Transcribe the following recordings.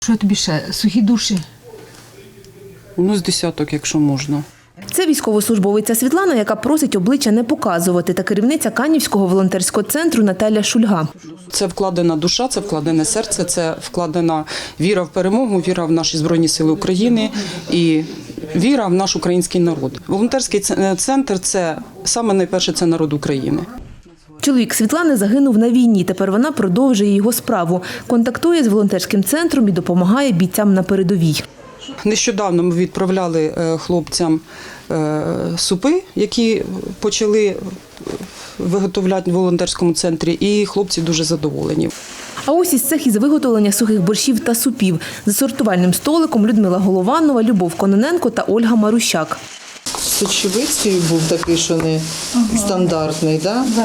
Що тобі ще? Сухі душі? Ну, з десяток, якщо можна. Це військовослужбовиця Світлана, яка просить обличчя не показувати, та керівниця Канівського волонтерського центру Наталя Шульга. Це вкладена душа, це вкладене серце, це вкладена віра в перемогу, віра в наші Збройні Сили України і віра в наш український народ. Волонтерський центр – це саме найперше це народ України. Чоловік Світлани загинув на війні, тепер вона продовжує його справу. Контактує з волонтерським центром і допомагає бійцям на передовій. Нещодавно ми відправляли хлопцям супи, які почали виготовляти в волонтерському центрі, і хлопці дуже задоволені. А ось із цех із виготовлення сухих борщів та супів. За сортувальним столиком Людмила Голованова, Любов Кононенко та Ольга Марущак. Сочевицький був такий, що не стандартний, так? Да.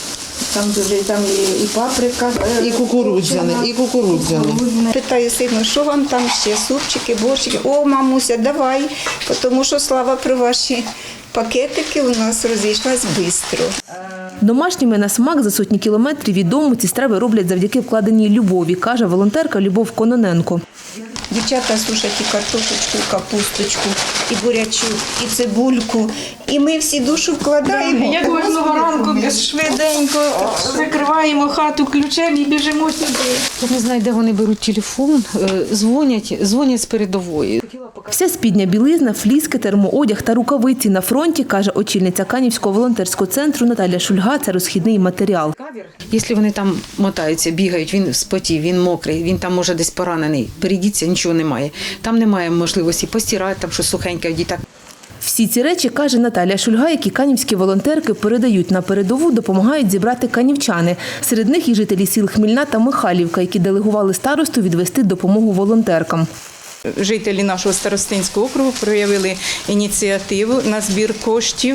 Там і паприка, І кукурудзяний. Питаю сину, що вам там ще, супчики, борщики? О, мамуся, давай, тому що слава про ваші пакетики у нас розійшлась швидко. Домашніми на смак за сотні кілометрів від дому ці страви роблять завдяки вкладеній любові, каже волонтерка Любов Кононенко. Дівчата сушать і картошечку, і капусточку, і бурячок, і цибульку. І ми всі душу вкладаємо. Як кожного ранку швиденько закриваємо хату ключем і біжимо сюди. Я не знаю, де вони беруть телефон, дзвонять з передової. Вся спідня білизна, фліски, термоодяг та рукавиці на фронті, каже очільниця Канівського волонтерського центру Наталя Шульга, це розхідний матеріал. Якщо вони там мотаються, бігають, він спотів, він мокрий, він там може десь поранений, перейдіться, нічого немає. Там немає можливості постирати, там щось сухеньке в дітей. Всі ці речі, каже Наталя Шульга, які канівські волонтерки передають на передову, допомагають зібрати канівчани. Серед них і жителі сіл Хмільна та Михайлівка, які делегували старосту відвести допомогу волонтеркам. Жителі нашого старостинського округу проявили ініціативу на збір коштів.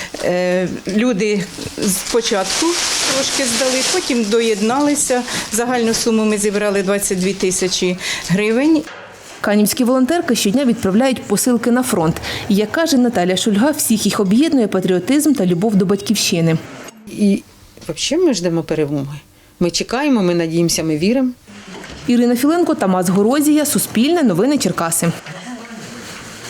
Люди спочатку трошки здали, потім доєдналися. Загальну суму ми зібрали 22 тисячі гривень. Канівські волонтерки щодня відправляють посилки на фронт. І, як каже Наталя Шульга, всіх їх об'єднує патріотизм та любов до батьківщини. І взагалі ми ждемо перемоги. Ми чекаємо, ми надіємося, ми віримо. Ірина Філенко, Тамас Горозія, Суспільне, Новини Черкаси.